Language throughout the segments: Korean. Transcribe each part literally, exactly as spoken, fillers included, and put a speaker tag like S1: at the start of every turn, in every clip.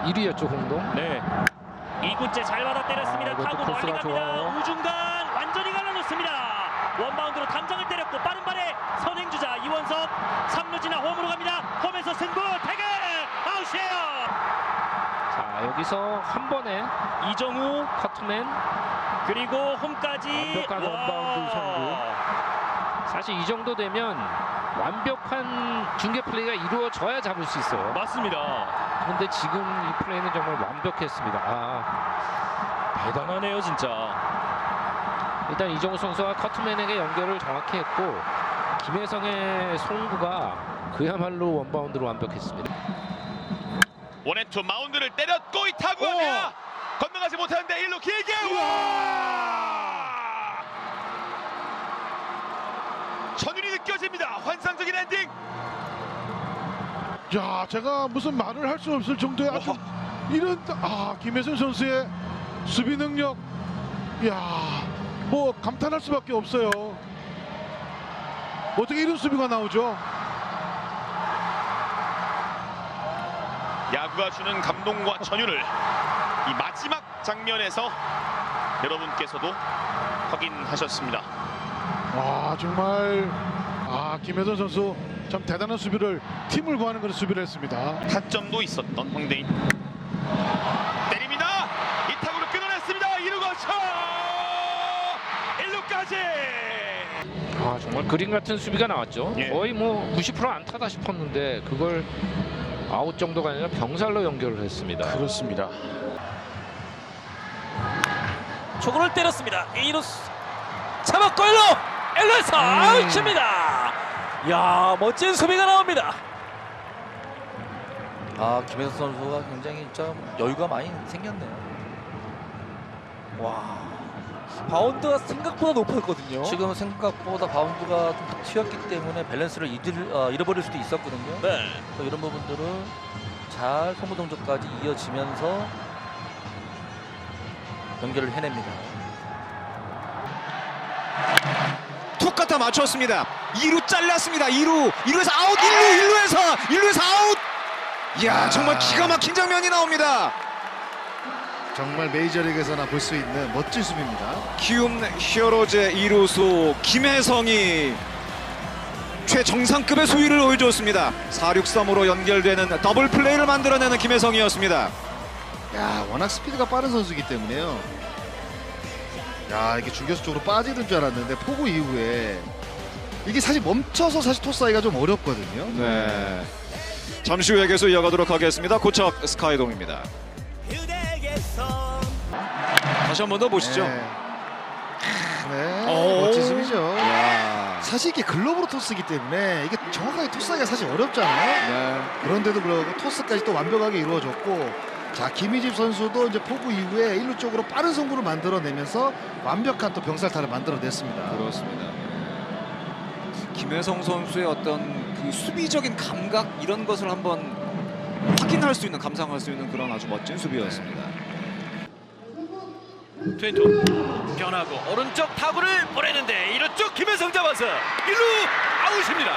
S1: 일 위였죠, 홍동.
S2: 네. 이 구째 잘 받아 때렸습니다.
S1: 아, 이것도
S2: 타고 멀리
S1: 코스가
S2: 갑니다.
S1: 좋아요.
S2: 우중간 완전히 갈라놓습니다. 원바운드로 담장을 때렸고 빠른 발에 선행주자 이원석 삼 루 지나 홈으로 갑니다. 홈에서 승부 태그 아웃이에요.
S1: 자, 여기서 한 번에
S2: 이정우
S1: 커트맨
S2: 그리고 홈까지
S1: 완벽한 원바운드 성공. 사실 이 정도 되면 완벽한 중계 플레이가 이루어져야 잡을 수 있어요.
S2: 맞습니다.
S1: 그런데 지금 이 플레이는 정말 완벽했습니다. 아,
S2: 대단하네요 진짜.
S1: 일단 이정우 선수가 커트맨에게 연결을 정확히 했고 김혜성의 송구가 그야말로 원바운드로 완벽했습니다.
S3: 원앤투 마운드를 때렸고 이 타구가 건너가지 못하는데 일 루 길게 와! 전율이 느껴집니다. 환상적인 엔딩.
S4: 야, 제가 무슨 말을 할 수 없을 정도의 아주 이런 아 김혜선 선수의 수비 능력, 야, 뭐 감탄할 수밖에 없어요. 어떻게 이런 수비가 나오죠?
S3: 야구가 주는 감동과 전율을 이 마지막 장면에서 여러분께서도 확인하셨습니다.
S4: 와, 정말 아 김혜선 선수 참 대단한 수비를 팀을 구하는 그런 수비를 했습니다.
S3: 타점도 있었던 황대인 때립니다. 이 타구를 끊어냈습니다. 이 루 거쳐 일 루까지.
S1: 아, 정말 그림 같은 수비가 나왔죠.
S3: 예.
S1: 거의 뭐 구십 퍼센트 안타다 싶었는데 그걸 아웃 정도가 아니라 병살로 연결을 했습니다.
S3: 그렇습니다.
S2: 초구를 때렸습니다. 이 루 잡았고 일 루 일 루에서
S1: 음.
S2: 아웃입니다. 야, 멋진 수비가 나옵니다.
S5: 아, 김혜성 선수가 굉장히 좀 여유가 많이 생겼네요.
S2: 와, 바운드가 생각보다 높았거든요.
S5: 지금 생각보다 바운드가 좀 튀었기 때문에 밸런스를 잃을, 어, 잃어버릴 수도 있었거든요.
S2: 네.
S5: 또 이런 부분들을 잘 소모 동작까지 이어지면서 연결을 해냅니다.
S6: 툭 갖다 맞췄습니다. 이 루 잘랐습니다. 이 루, 이 루에서 아웃, 일 루, 일 루에서, 일 루에서 아웃. 이야, 정말 기가 막힌 장면이 나옵니다.
S7: 정말 메이저리그에서나 볼 수 있는 멋진 수비입니다.
S6: 키움 히어로즈의 이 루수 김혜성이 최정상급의 수위를 보여줬습니다. 사 육 삼으로 연결되는 더블 플레이를 만들어내는 김혜성이었습니다.
S7: 야, 워낙 스피드가 빠른 선수이기 때문에요. 야, 이게 중교수 쪽으로 빠지는 줄 알았는데 포구 이후에 이게 사실 멈춰서 사실 토스하기가 좀 어렵거든요.
S6: 네. 잠시 후에 계속 이어가도록 하겠습니다. 고척 스카이돔입니다. 다시 한 번 더 보시죠.
S7: 네, 네,
S6: 오.
S7: 멋진 수비죠.
S6: 야.
S7: 사실 이게 글러브로 토스이기 때문에 이게 정확하게 토스하기가 사실 어렵잖아요.
S6: 네.
S7: 그런데도 불구하고 토스까지 또 완벽하게 이루어졌고, 자, 김희집 선수도 이제 포구 이후에 일 루 쪽으로 빠른 송구를 만들어내면서 완벽한 또 병살타를 만들어냈습니다.
S6: 그렇습니다. 김혜성 선수의 어떤 그 수비적인 감각 이런 것을 한번 확인할 수 있는, 감상할 수 있는 그런 아주 멋진 수비였습니다.
S2: 트웬투 변하고 오른쪽 타구를 보내는데 이 루 쪽 김혜성 잡아서 일 루 아웃입니다.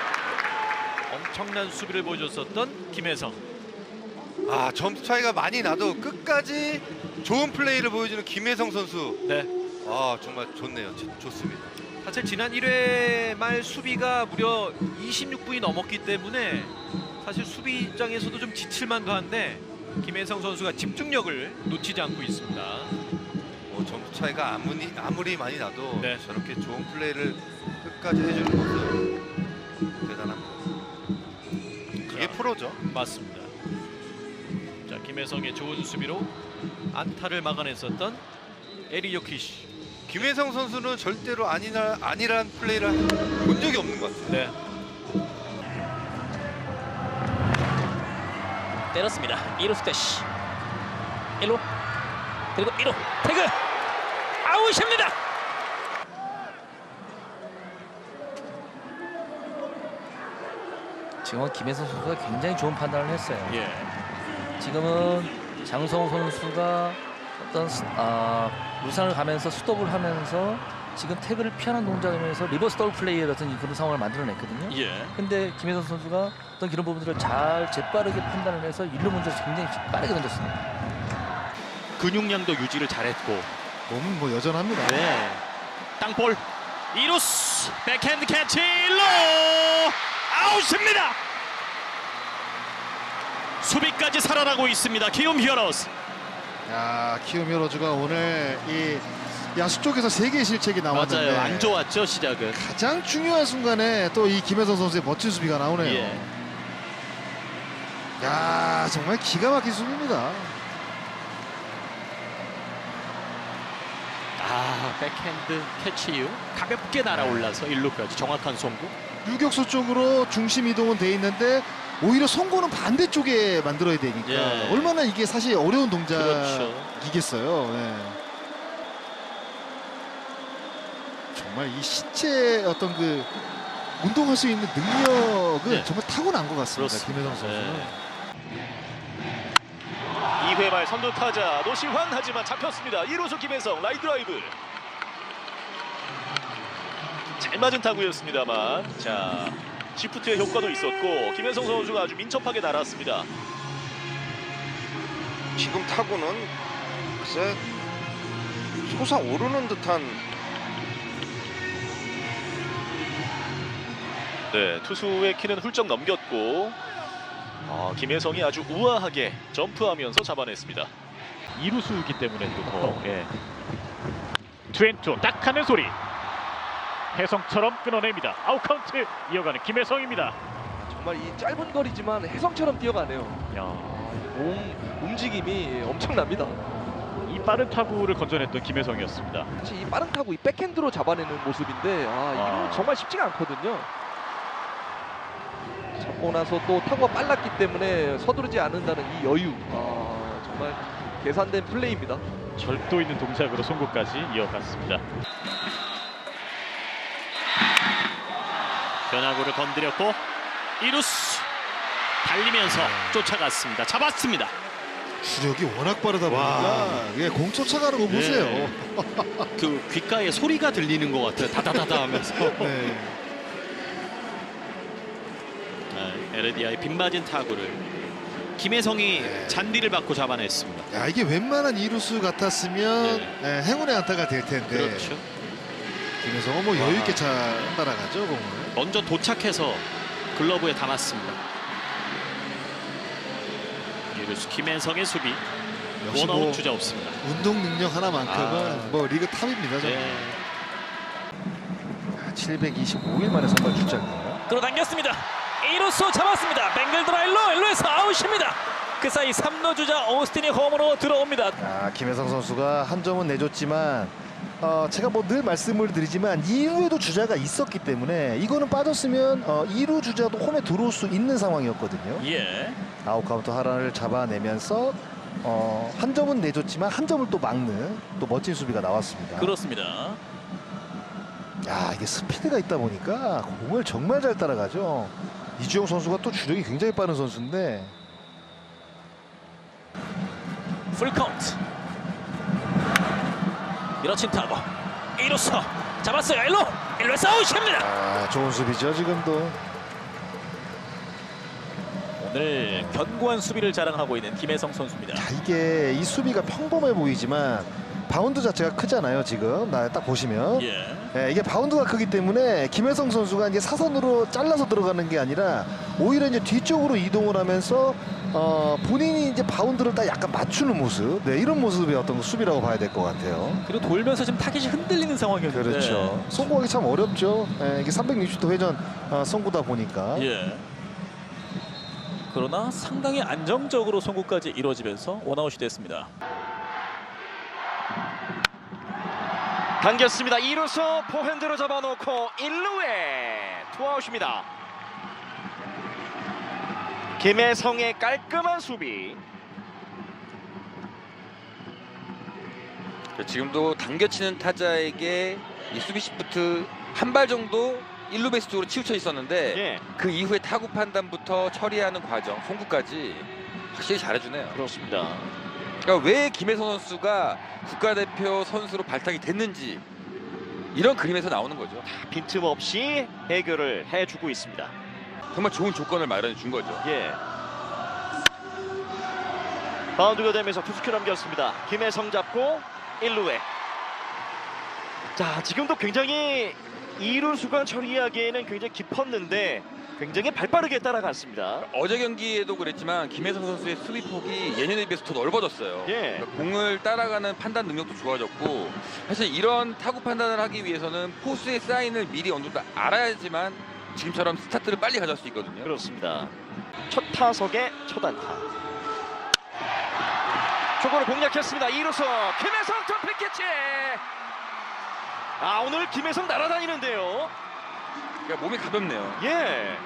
S2: 엄청난 수비를 보여줬었던 김혜성.
S8: 아, 점수 차이가 많이 나도 끝까지 좋은 플레이를 보여주는 김혜성 선수.
S2: 네.
S8: 아, 정말 좋네요. 좋- 좋습니다.
S2: 사실 지난 일 회 말 수비가 무려 이십육 분이 넘었기 때문에 사실 수비 입장에서도 좀 지칠만도 한데 김혜성 선수가 집중력을 놓치지 않고 있습니다.
S8: 뭐 점수 차이가 아무리 아무리 많이 나도
S2: 네.
S8: 저렇게 좋은 플레이를 끝까지 해주는 것은 대단합니다. 그게
S2: 자,
S8: 프로죠.
S2: 맞습니다. 자, 김혜성의 좋은 수비로 안타를 막아냈었던 에리 요키시.
S8: 김혜성 선수는 절대로 아니라 아니란 플레이를 본 적이 없는 것 같아요.
S2: 네. 때렸습니다. 이 루 스태시. 일 루 그리고 일 루 태그 아웃입니다.
S5: 지금은 김혜성 선수가 굉장히 좋은 판단을 했어요.
S2: 예.
S5: 지금은 장성호 선수가 어떤 스- 아, 루산을 가면서 스톱을 하면서 지금 태그를 피하는 동작이면서 리버스 더블 플레이 같은 그런 상황을 만들어냈거든요.
S3: 예.
S5: 근데 김혜성 선수가 어떤 그런 부분들을 잘 재빠르게 판단을 해서 일루 먼저 굉장히 빠르게 던졌습니다.
S3: 근육량도 유지를 잘했고.
S7: 몸은 뭐 여전합니다.
S3: 네. 땅볼. 이루스 백핸드 캐치 일루 아웃입니다. 수비까지 살아나고 있습니다. 키움 히어로즈.
S7: 야, 키움 히어로즈가 오늘 이 야수 쪽에서 세 개의 실책이 나왔는데
S3: 맞아요. 안 좋았죠 시작은.
S7: 가장 중요한 순간에 또 이 김혜성 선수의 멋진 수비가 나오네요.
S3: 예.
S7: 야, 정말 기가 막힌 수비입니다.
S3: 아 백핸드 캐치 이후 가볍게 날아올라서 일루까지 정확한 송구.
S7: 유격수 쪽으로 중심 이동은 돼 있는데 오히려 송구는 반대쪽에 만들어야 되니까
S3: 예.
S7: 얼마나 이게 사실 어려운
S3: 그렇죠.
S7: 동작이겠어요. 예. 정말 이 신체 어떤 그 운동할 수 있는 능력은
S3: 네.
S7: 정말 타고난 것 같습니다.
S3: 그렇습니다.
S7: 김혜성 선수는.
S3: 네. 이 회 말 선두 타자 노시환 하지만 잡혔습니다. 일 루수 김혜성 라이 드라이브. 잘 맞은 타구였습니다만 자 시프트의 효과도 있었고 김혜성 선수가 아주 민첩하게 날았습니다.
S8: 지금 타구는 글쎄 솟아오르는 듯한
S3: 네, 투수의 키는 훌쩍 넘겼고 어, 김혜성이 아주 우아하게 점프하면서 잡아냈습니다.
S9: 이루수이기 때문에 또 더 예. 투앤투 딱 하는 소리 혜성처럼 끊어냅니다. 아웃카운트 이어가는 김혜성입니다.
S10: 정말 이 짧은 거리지만 혜성처럼 뛰어가네요.
S9: 야,
S10: 몸 움직임이 엄청납니다.
S9: 이 빠른 타구를 건져냈던 김혜성이었습니다.
S10: 사실 이 빠른 타구 이 백핸드로 잡아내는 모습인데 아, 이거
S9: 아.
S10: 정말 쉽지가 않거든요. 잡고 나서 또 타구가 빨랐기 때문에 서두르지 않는다는 이 여유. 아, 정말 계산된 플레이입니다.
S9: 절도 있는 동작으로 송구까지 이어갔습니다.
S3: 변화구를 건드렸고 이루스 달리면서 쫓아갔습니다. 잡았습니다.
S7: 주력이 워낙 빠르다 보니까 예, 공 쫓아가는 거 보세요.
S3: 네. 그 귓가에 소리가 들리는 것 같아요. 다다다다 하면서.
S7: 네.
S3: 네, 에르디아의 빗맞은 타구를 김혜성이
S7: 네.
S3: 잔디를 받고 잡아냈습니다.
S7: 야, 이게 웬만한 이루수 같았으면
S3: 네.
S7: 예, 행운의 안타가 될 텐데
S3: 그렇죠.
S7: 김혜성은 뭐 여유 있게 잘 따라가죠, 공을.
S3: 먼저 도착해서 글러브에 담았습니다. 이루수 김혜성의 수비.
S7: 역시
S3: 원아웃
S7: 뭐
S3: 주자 없습니다.
S7: 운동 능력 하나만큼은
S3: 아.
S7: 뭐 리그 탑입니다. 정말.
S3: 네.
S5: 칠백이십오 일 만에 선발 출장이에요.
S11: 끌어당겼습니다. 이루수 잡았습니다. 뱅글 드라일로 일루에서 아웃입니다. 그 사이 삼 루 주자 오스틴이 홈으로 들어옵니다.
S7: 아, 김혜성 선수가 한 점은 내줬지만 어, 제가 뭐 늘 말씀을 드리지만 이 루에도 주자가 있었기 때문에 이거는 빠졌으면 어, 이 루 주자도 홈에 들어올 수 있는 상황이었거든요.
S11: 예.
S7: 아웃카운트 하나를 잡아내면서 어, 한 점은 내줬지만 한 점을 또 막는 또 멋진 수비가 나왔습니다.
S11: 그렇습니다.
S7: 야, 이게 스피드가 있다 보니까 공을 정말 잘 따라가죠. 이주영 선수가 또 주력이 굉장히 빠른 선수인데
S11: 풀카운트. 밀어친 타고 이루수 잡았어요. 일루 일루에서 아웃입니다.
S7: 아, 좋은 수비죠 지금도.
S11: 오늘 견고한 수비를 자랑하고 있는 김혜성 선수입니다.
S7: 자, 이게 이 수비가 평범해 보이지만 바운드 자체가 크잖아요. 지금 나 딱 보시면
S11: 예.
S7: 예, 이게 바운드가 크기 때문에 김혜성 선수가 이제 사선으로 잘라서 들어가는 게 아니라 오히려 이제 뒤쪽으로 이동을 하면서 어, 본인이 이제 바운드를 딱 약간 맞추는 모습, 네, 이런 모습의 어떤 수비라고 봐야 될 것 같아요.
S11: 그리고 돌면서 지금 타깃이 흔들리는 상황이었는데.
S7: 그렇죠. 송구하기 참 어렵죠. 예, 이게 삼백육십 도 회전 어, 송구다 보니까.
S11: 예. 그러나 상당히 안정적으로 송구까지 이루어지면서 원아웃이 됐습니다.
S3: 당겼습니다. 이루수 포핸드로 잡아놓고 일루에 투아웃입니다. 김혜성의 깔끔한 수비.
S12: 지금도 당겨치는 타자에게 이 수비 시프트 한 발 정도 일루 베이스 쪽으로 치우쳐 있었는데
S3: 예.
S12: 그 이후에 타구 판단부터 처리하는 과정, 송구까지 확실히 잘해주네요.
S3: 그렇습니다.
S12: 그러니까 왜 김혜성 선수가 국가대표 선수로 발탁이 됐는지 이런 그림에서 나오는 거죠.
S3: 빈틈없이 해결을 해주고 있습니다.
S12: 정말 좋은 조건을 마련해 준 거죠.
S3: 예. 바운드가 되면서 투수큐 넘겼습니다. 김혜성 잡고 일 루에. 자, 지금도 굉장히 이루수가 처리하기에는 굉장히 깊었는데 굉장히 발빠르게 따라갔습니다.
S12: 어제 경기에도 그랬지만 김혜성 선수의 수비 폭이 예년에 비해서 더 넓어졌어요.
S3: 예.
S12: 그러니까 공을 따라가는 판단 능력도 좋아졌고, 사실 이런 타구 판단을 하기 위해서는 포수의 사인을 미리 어느 정도 알아야지만 지금처럼 스타트를 빨리 가져갈 수 있거든요.
S3: 그렇습니다. 첫 타석의 첫 안타. 초구를 공략했습니다. 이루수 김혜성 점프 캐치. 아, 오늘 김혜성 날아다니는데요.
S12: 그러니까 몸이 가볍네요.
S3: 예.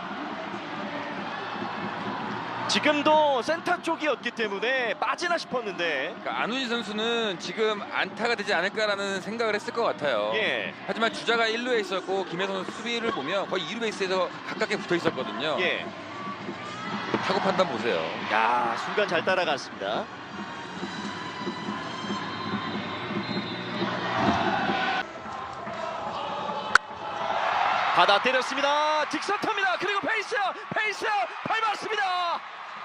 S3: 지금도 센터 쪽이었기 때문에 빠지나 싶었는데.
S12: 그러니까 안우진 선수는 지금 안타가 되지 않을까라는 생각을 했을 것 같아요.
S3: 예.
S12: 하지만 주자가 일 루에 있었고 김혜성 선수 수비를 보면 거의 이 루 베이스에서 가깝게 붙어 있었거든요.
S3: 예.
S12: 타구 판단 보세요.
S3: 야, 순간 잘 따라갔습니다. 받아 때렸습니다. 직선타입니다. 그리고 페이스, 페이스 밟았습니다.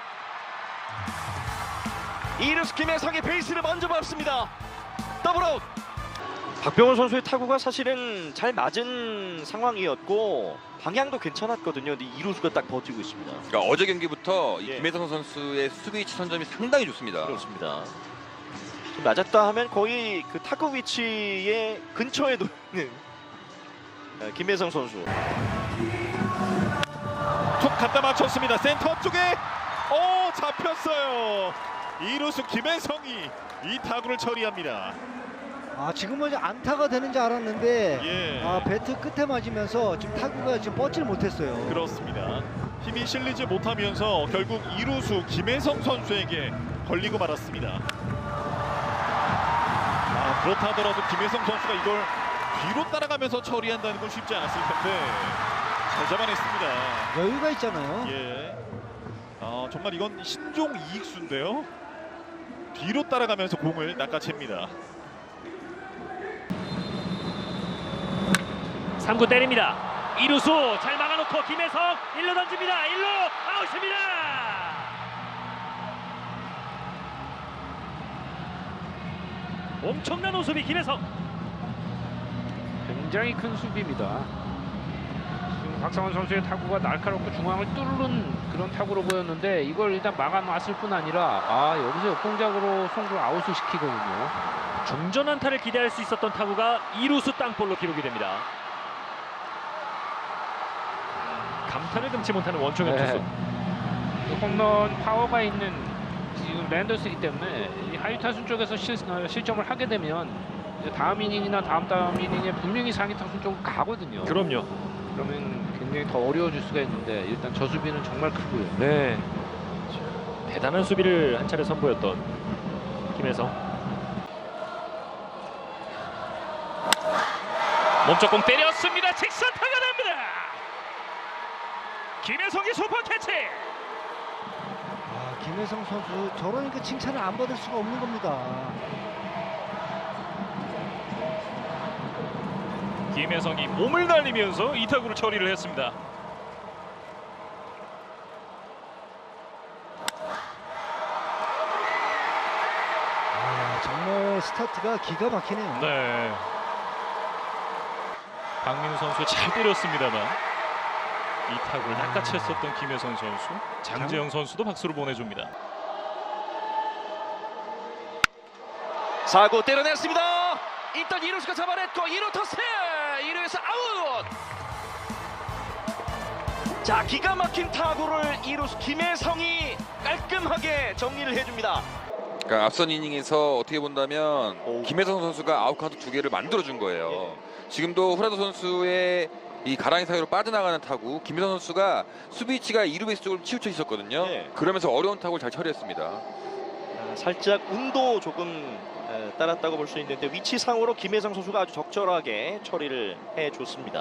S3: 이루스 김혜성이 베이스를 먼저 밟습니다. 더블아웃. 박병호 선수의 타구가 사실은 잘 맞은 상황이었고 방향도 괜찮았거든요. 근데 이루수가 딱 버티고 있습니다.
S12: 그러니까 어제 경기부터 이
S3: 예.
S12: 김혜성 선수의 수비 치선점이 상당히 좋습니다.
S3: 그렇습니다. 좀 맞았다 하면 거의 그 타구 위치에 근처에 놓는 김혜성 선수.
S9: 툭 갖다 맞췄습니다. 센터 쪽에 오 잡혔어요. 이루수 김혜성이 이 타구를 처리합니다.
S13: 아 지금은 안타가 되는 줄 알았는데
S9: 예.
S13: 아 배트 끝에 맞으면서 지금 타구가 지금 뻗지를 못했어요.
S9: 그렇습니다. 힘이 실리지 못하면서 결국 이루수 김혜성 선수에게 걸리고 말았습니다. 아, 그렇다 하더라도 김혜성 선수가 이걸 뒤로 따라가면서 처리한다는 건 쉽지 않았을 텐데 잘 잡아냈습니다.
S13: 여유가 있잖아요.
S9: 예. 아, 정말 이건 신종 이익수인데요. 뒤로 따라가면서 공을 낚아챕니다.
S11: 삼 구 때립니다. 이루수 잘 막아놓고 김혜성 일 루 던집니다. 일 루 아웃입니다. 엄청난 호수비 김혜성.
S1: 굉장히 큰 수비입니다. 지금 박상원 선수의 타구가 날카롭고 중앙을 뚫는 그런 타구로 보였는데 이걸 일단 막아놨을 뿐 아니라 아 여기서 역동작으로 송구를 아웃을 시키거든요.
S11: 중전 안타를 기대할 수 있었던 타구가 이루수 땅볼로 기록이 됩니다. 감탄을 금치 못하는 원초면
S1: 네.
S11: 투수.
S1: 홈런 파워가 있는 지금 랜더스이기 때문에 이 하위 타순 쪽에서 실, 어, 실점을 하게 되면 이제 다음 이닝이나 다음 다음 이닝에 분명히 상위 타순 쪽으로 가거든요.
S11: 그럼요.
S1: 그러면 굉장히 더 어려워질 수가 있는데 일단 저 수비는 정말 크고요.
S11: 네. 대단한 수비를 한 차례 선보였던 김혜성. 몸쪽공 때렸습니다. 직선타가 됩니다. 김혜성이 슈퍼 캐치.
S13: 아 김혜성 선수 저러니까 칭찬을 안 받을 수가 없는 겁니다.
S11: 김혜성이 몸을 날리면서 이 타구를 처리를 했습니다.
S13: 아 정말 스타트가 기가 막히네요.
S11: 네. 박민우 선수 잘 때렸습니다만 이 타구를 낚아챘었던 김혜성 선수, 장재영 선수도 박수를 보내줍니다.
S3: 사 구 때려냈습니다. 일단 이루수가 잡아냈고 이 루 토스. 이 루에서 아웃. 자, 기가 막힌 타구를 이루수 김혜성이 깔끔하게 정리를 해줍니다.
S12: 그러니까 앞선 이닝에서 어떻게 본다면 오. 김혜성 선수가 아웃카운트 두 개를 만들어준 거예요. 예. 지금도 후라도 선수의 이 가랑이 사이로 빠져나가는 타구, 김혜성 선수가 수비 위치가 이 루 베이스 쪽으로 치우쳐 있었거든요. 예. 그러면서 어려운 타구를 잘 처리했습니다.
S3: 아, 살짝 운도 조금 에, 따랐다고 볼 수 있는데 위치상으로 김혜성 선수가 아주 적절하게 처리를 해줬습니다.